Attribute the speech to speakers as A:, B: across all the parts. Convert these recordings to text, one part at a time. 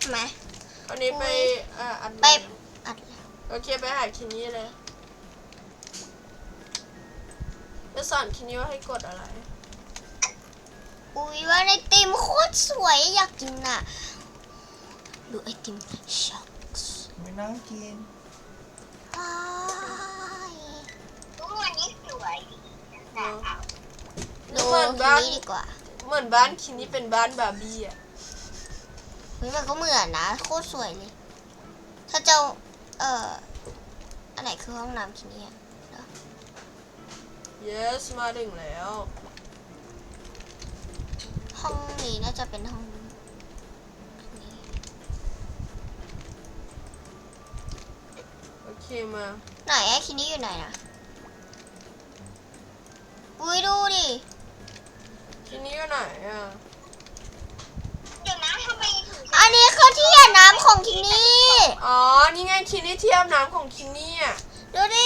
A: ทำไม
B: อันนี้ไปอัด
A: ไปอัดแล้ว
B: โอเคไปหาคินี่เลยจะสอนคินี่ว่าให้กดอะไร
A: อุ้ยว่าไอติมโคตรสวยอยากกินอ่ะดูไอติมช็อกส์
C: ไม่นั่งกิน
A: ทุกวันนี้สวยดู
B: เหมือนบ้าน
A: นี้ดีกว่า
B: เหมือนบ้านคินี่เป็นบ้านบาร์บี้อ่ะ
A: เฮ้ยมันก็เหมือนนะโคตรสวยเลยถ้าเจ้าอันไหนคือห้องน้ำที่นี่
B: yes มาถึงแล้ว
A: ห้องนี้น่าจะเป็นห้องนี้
B: โอเคมา
A: ไหนไอ้คินี่อยู่ไหนนะอุ้ยดูดิ
B: คินี่อยู่ไหนอ่ะ
A: เดี๋ยวนะทำไมถึงอันนี้คือที่อาบน้ำของคินี่
B: อ๋อนี่ไงคินี่ที่อาบน้ำของคินี่อ่ะ
A: ดูดิ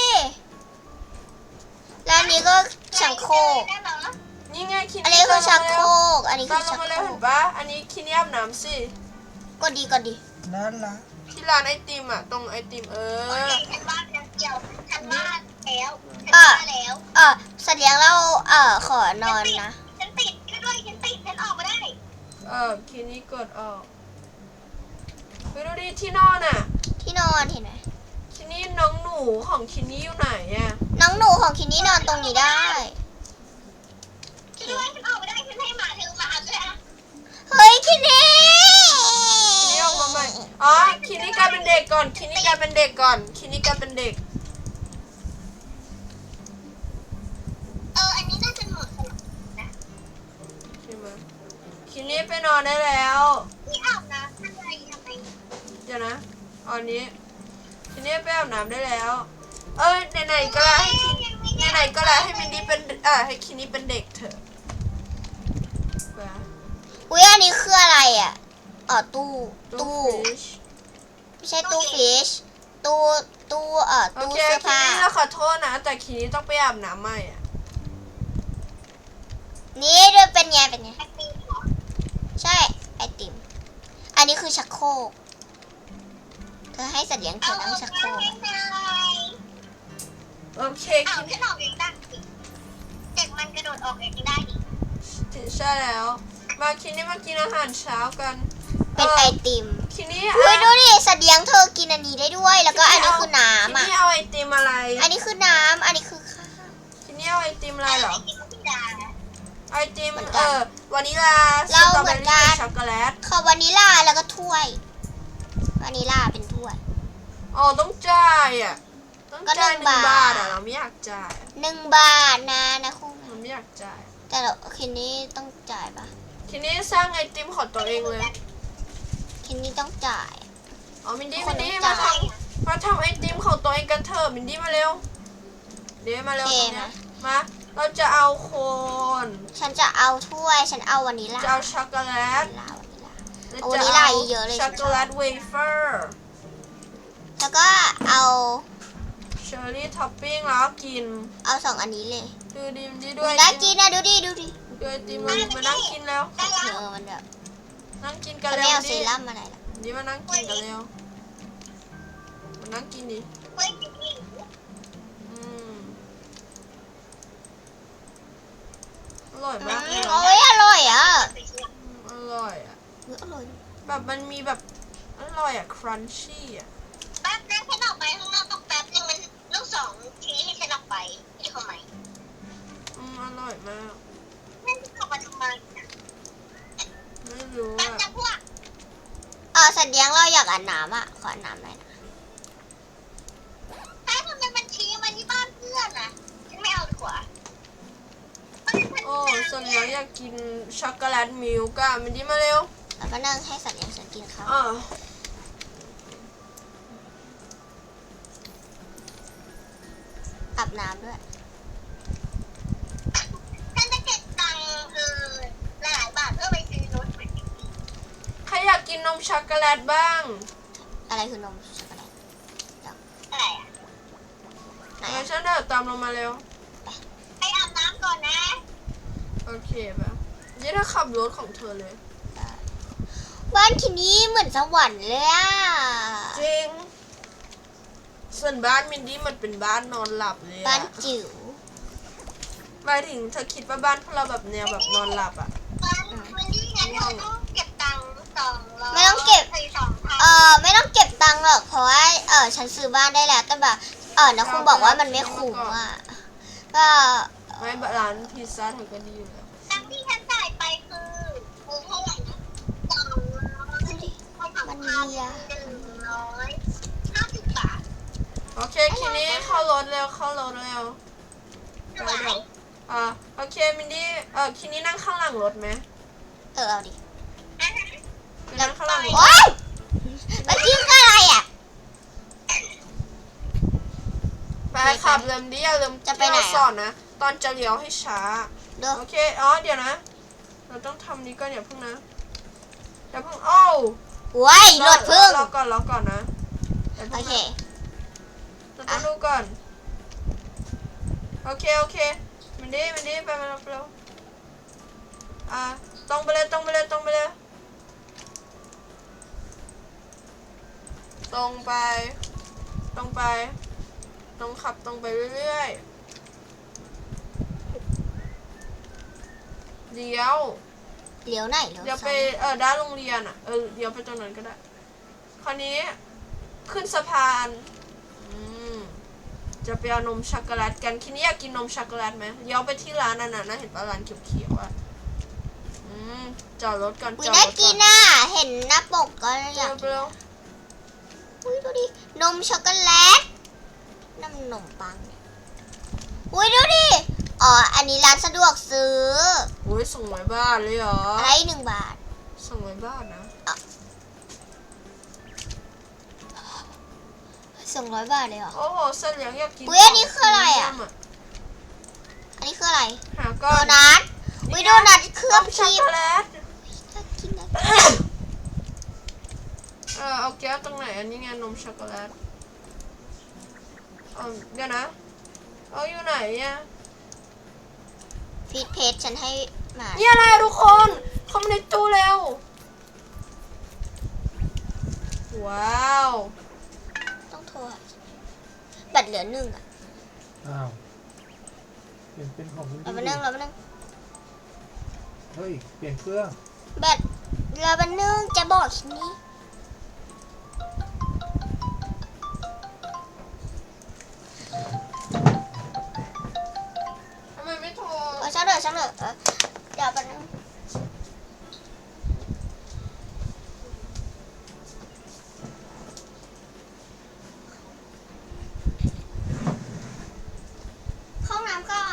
A: แล้วอันนี้ก็ชักโครก
B: นี่ไงคินี่
A: อันนี้คือชักโครกอันนี้
B: ตา
A: คือ
B: มล
A: ชั
B: ง
A: ก
B: มา
A: โค
B: แล้ว
A: ร
B: เห็
A: ก
B: นปะอันนี้คินี่อาบน้ำสิ
A: ก็ดีก็ดี
C: นั่นละ
B: ที่ร้านไอติมอ่ะตรงไอติม
A: ฉันว่าเกี่ยวฉันว่าแล้วสัตว์เลี้ยงเราขอนอนนะฉันติดด้วยฉันออกมาได้
B: คินี่กดออกไปดูดิที่นอนอ่ะ
A: ที่นอนเห็นไหม
B: คินี่น้องหนูของคินี่อยู่ไหนอ่ะ
A: น้องหนูของคินี่นอนตรงนี้ได้
B: ฉันออกไม่ได้ฉันให้หมาเธอมาเลยอ่ะ
A: เฮ้ยคินี่
B: คินี่ออกมาใหม่อ๋อคินี่กลายเป็นเด็กก่อนคินี่กลายเป็นเด็กก่อนคินี่กลายเป็นเด็ก
A: อันนี้น่าจะหมดนะ
B: ใช่ไหมคินี่ไปนอนได้แล้ว
A: ที่อาบน้ำทำไม
B: เดี๋ยวนะอันนี้คินี่ไปอาบน้ำได้แล้วไหนๆก็แล้วไหนๆก็แล้วให้มินดี้เป็นให้คินี่เป็นเด็กเถอะไป
A: อุ้ยอันนี้คืออะไรอ่ะตู้
B: fish
A: ไม่ใช่ตู้ฟิชตู้
B: โอ
A: ตู้
B: เค
A: เสื้อ
B: คิ
A: ผ้า
B: นี่เราขอโทษนะแต่คินี่ต้องไปอาบน้ำใหม่อ่ะ
A: นี่ดูเป็นไงใช่ไอติมอันนี้คือชักโครกเธอให้สัตว์เลี้ยงเธอนั่งชักโครก
B: โอเคคินี่
A: ฉันออกเองได้เด็กมันกระโดดออกเองได้ดิ
B: ใช่แล้วมาคินี่มากินอาหารเช้ากัน
A: เป็นไอติม
B: คินี่
A: อุ้ยดูดิสัตว์เลี้ยงเธอกินอันนี้ได้ด้วย แล้วก็อันนี้คือน้ำ
B: คินี่เอาไอติมอะไร
A: อันนี้คือน้ำอันนี้คือข้าว
B: คินี่เอาไอติมอะไรเหรอไอติมวานิลาส
A: เรา
B: ตรอ
A: เห
B: เบ
A: มื
B: อ
A: อน
B: รี่
A: กัน
B: ช็อกโกแลต
A: ขอวานิลาแล้วก็ถ้วยวานิลาเป็นถ้วย
B: อ๋อต้องจ่ายอ่ะต้อง
A: ก็
B: จ่าย
A: 1
B: 1 บาท
A: บาท
B: อ่ะเราไม่อยากจ่าย
A: 1 บาทนะคุณ
B: เราไม่อยากจ่าย
A: แต่เราคินนี่ต้องจ่ายปะ
B: คินี่สร้างไอติมของตัวเองเลย
A: คินนี่ต้องจ่าย
B: อ๋อมินดี้
A: ค
B: มิ
A: น
B: น
A: ต้
B: ดี้
A: อง
B: มา
A: จ่าย
B: ทำไอติมของตัวเองกันเถอะมินดี้มาเร็วเดี๋ยวมาเร็ว
A: โอเค
B: ตรงเนี้ย
A: นะ
B: มาเราจะเอาโคน
A: ฉันจะเอาถ้วยฉันเอาวานิลา
B: จะเอาช็อกโกแลต
A: วานิลา
B: แล้ว
A: เอา
B: จะ
A: วานิลาเยอะๆเลย
B: ช็อกโกแลตเวเฟอร์
A: แล้วก็เอา
B: เชอร์รี่ท็อปปิ้งแล้วก็กิน
A: เอา2 อันนี้เลย
B: ดูดิมดีด้
A: อุ๊
B: วย
A: ยน่ากินนะดูดิ
B: ดูไอติมมานั่งกินแล้ว
A: เธอมันแบบ
B: นั่งกินกัน
A: ฉัน
B: เร็
A: ไม่
B: ว
A: เอาเซ
B: ดิ
A: รั่มอะไรล่ะ
B: นี่มานั่งกินกันเร็วมานั่งกินดิอืมอร่อยมากเลย
A: โอ้ยอร่อยอ่ะ
B: อร่อยอ่ะ
A: อร่อย
B: แบบมันมีแบบอร่อยอ่ะครันชี่อ่ะ
A: แป๊บนึงฉันออกไปข้างนอกต้องแป๊บนึงมันลูก2ทีให้ฉันออกไปที่เขาไหม
B: อร่อยมาก
A: นั่นออกมาทำไม
B: ไม่รู้
A: แป๊บ
B: อ่ะ
A: นะพวกสัตว์เลี้ยงเราอยากอาบน้ำอ่ะขออาบน้ำหน่อยนะแป๊บทำไมมันชี้มาที่บ้านเพื่อนอ่ะฉันไม่เอาดีกว่า
B: โอ้ส่วนใหญ่อยากกินช็อกโกแลตมิลค์อ่ะมันดีมาเร็ว
A: แล้วก็นั่งให้สัตว์เลี้ยงฉันกินข้าว
B: อ่า
A: อาบน้ำด้วยฉันจะเก็บตังค์หลายบาทเพื่อไปซื้อรถ
B: ใครอยากกินนมช็อกโกแลตบ้าง
A: อะไรคือนมช็อกโกแลตอะไรอ่ะไหน
B: งั้นฉันเดินตามลงมาเร็ว
A: ไปอาบน้ำก่อนนะ
B: โอเคป่ะยี่ถ้าขับรถของเธอเลย
A: บ้านคินนี่เหมือนสวรรค์เลยอะ
B: จริงส่วนบ้านมินดี้มันเป็นบ้านนอนหลับเลย
A: บ้าน
B: อะ
A: จิ๋ว
B: หมายถึงเธอคิดว่าบ้านพวกเราแบบแนวแบบนอนหลับอะ
C: วันนี้งั้นเราต้องเก็บตังค์200
A: ไม่ต้องเก็บ
C: 2,000
A: ไม่ต้องเก็บตังค์หรอกเพราะว่าฉันซื้อบ้านได้แล้วแต่แบบนะครูบอกว่ามันไม่คุ้มอ่ะก็
B: ไม่ร้านพิซซ่าเธอก็ดีอยู่แล้ว
C: ตังค์ที่ฉันจ่ายไปคือเท่าไหร่นะ200
A: มันดีอะ
C: 150 บาท
B: โอเคทีนี้เข้ารถเร็วเข้ารถเร็วเดี๋ยวโอเคมินดี้ทีนี้นั่งข้างหลังรถไหม
A: เอาดิ
B: นั่งข้างหลังรถ
A: โอ๊ยเมื่อกี้คืออะไรอ่ะ
B: ไปขับเริ่มดิอย่าลืม
A: จะไปไหนอะ
B: ที่เราสอนนะตอนจะเลี้ยวให้ช้า
A: เด้อ
B: โอเคเดี๋ยวนะเราต้องทำนี้ก่อนอย่าเพิ่งนะอย่าเพิ่งโอ้ว
A: โว้ยรถพึ่ง
B: รอก่อนนะอย่า
A: โอ
B: เพิ่ง
A: เค
B: นะเราต้องดูก่อนโอเคมินดี้ไปมาเร็วตรงไปเลยตรงไปตรงขับตรงไปเรื่อยๆเลี้ยว
A: เลี้ยวไหนเลี้ยว
B: เดี๋ยวไป
A: ซ้าย
B: ด้านโรงเรียนเดี๋ยวไปตรงนั้นก็ได้คราวนี้ขึ้นสะพานจะไปเอานมช็อกโกแลตกันคิดนี้อยากกินนมช็อกโกแลตไหมเดี๋ยวไปที่ร้านนั่นน่ะนะเห็นปะร้านเขียวๆอ่ะจอดรถก่อน
A: อุ้
B: จ
A: ย
B: อด
A: น่าร
B: ถ
A: กิ
B: ก่อน น
A: น่ะเห็นหน้าปกก็อยาก
B: เร็ว
A: อุ้ยดูดินมช็อกโกแลตน้ำนมปังเนี่ยอุ้ยดูดิอันนี้ร้านสะดวกซื้อ
B: โอ้ย200 บาทเลยเหรอ
A: อะไร1 บาท
B: 200 บาทนะ
A: 200 บาทเลยเหรอ
B: โอ้โหเส้นเหลืองอยากกิน
A: อุ๊ยอันนี้คืออะไรอะ อันนี้คืออะไร
B: หา
A: โด
B: ก่อน
A: นัทอุ้ยโดนัทเคลือบ
B: ช็อก
A: ชี
B: โก
A: ส
B: แลต
A: น่ากินนะ
B: เอาแก้วตรงไหนอันนี้ไงนมช็อกโกแลตเดี๋ยวนะอยู่ไหนเนี่ย
A: พีทเพจฉันให้มา
B: นี่อะไรทุกคนคอมในตู้เร็วว้าว
A: ต้องโทรหาแบตเหลือ1อ่ะ
D: อ้าวเปลี่ยนเป็นของคุณ
A: เรามา
D: ดี
A: นั่งเรามานั่ง
D: เฮ้ย เปลี่ยนเครื่อง
A: แบตเรามานั่งจะบอกทีนี้
B: ทำไมไม่โทร
A: ช่างเถอะเดี๋ยวไปนั่งเข้าน้ำก่อน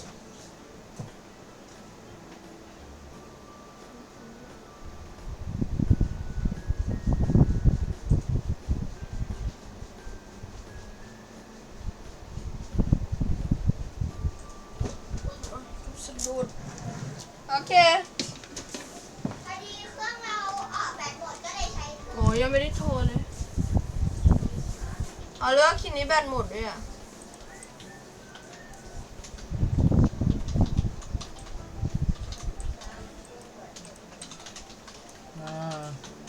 B: สะดุดโอเค
A: พอดีเครื่องเราแบตหมดก็เลยใช้เครื่อง
B: โอ้ยังไม่ได้โทรเลยเลือกคิดนี้แบตหมดด้วยอ่ะ
D: อ่า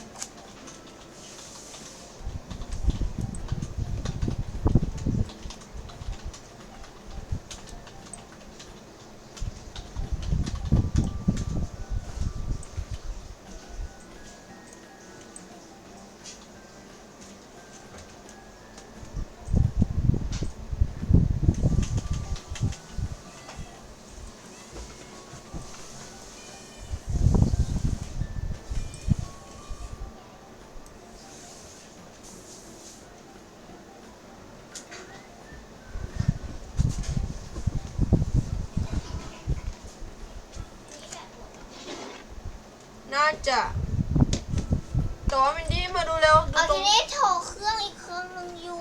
B: น่าจะแต่ว่ามินดี้มาดูเร็วดูตร
A: ที
B: ง
A: นี้โทรเครื่องอีกเครื่องนึงอยู่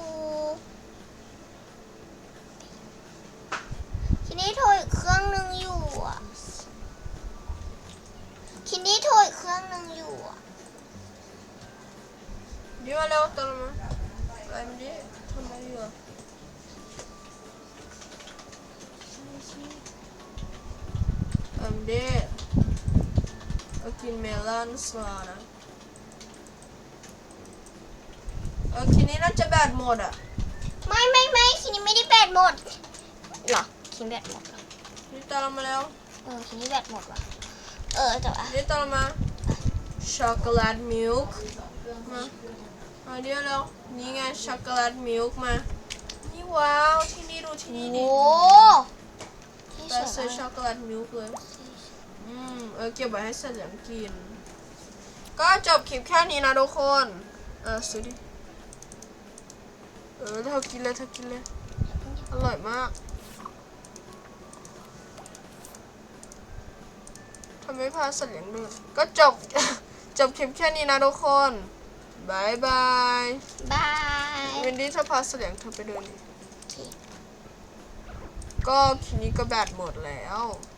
A: ทีนี้โทรอีกเครื่องนึงอยู่อ่ะทีนี้โทรอีกเครื่องนึงอยู่อ่ะ
B: ดีมาเร็วตรงมาอะไรมินดี้ทำอะไรอยู่อะมินดี้กินเมลอนสลานะทีนี้น่าจะแบตหมดอ่ะ
A: ไม่คินี่ไม่ได้แบตหมดเหรอคินแบตหมดเหรอ
B: นี่ตามเรามาแล้ว
A: คินี่แบตหมดว่ะแต่ว่า
B: นี่ตามเรามาช็อกโกแลตมิลค์มาเดี๋ยวแล้วนี่ไงช็อกโกแลตมิลค์มานี่ว้าวที่นี่ดูที่นี่ดิ
A: โอ้ที่
B: แต่
A: ส
B: ซื้อ
A: วย
B: ช็อกโกแลตมิลค์เลยเก็บไว้ให้เสลียงกิน ก็จบคลิปแค่นี้นะทุกคนซื้อดิเธอกินเลยอร่อยมากทำไมพาเสลียงด้วยก็จบ จบคลิปแค่นี้นะทุกคนบายบาย
A: บาย
B: วินดี้เธอพาเสลียงเธอไปเดินดิ
A: โอเค
B: ก็คลิปนี้ก็แบตหมดแล้ว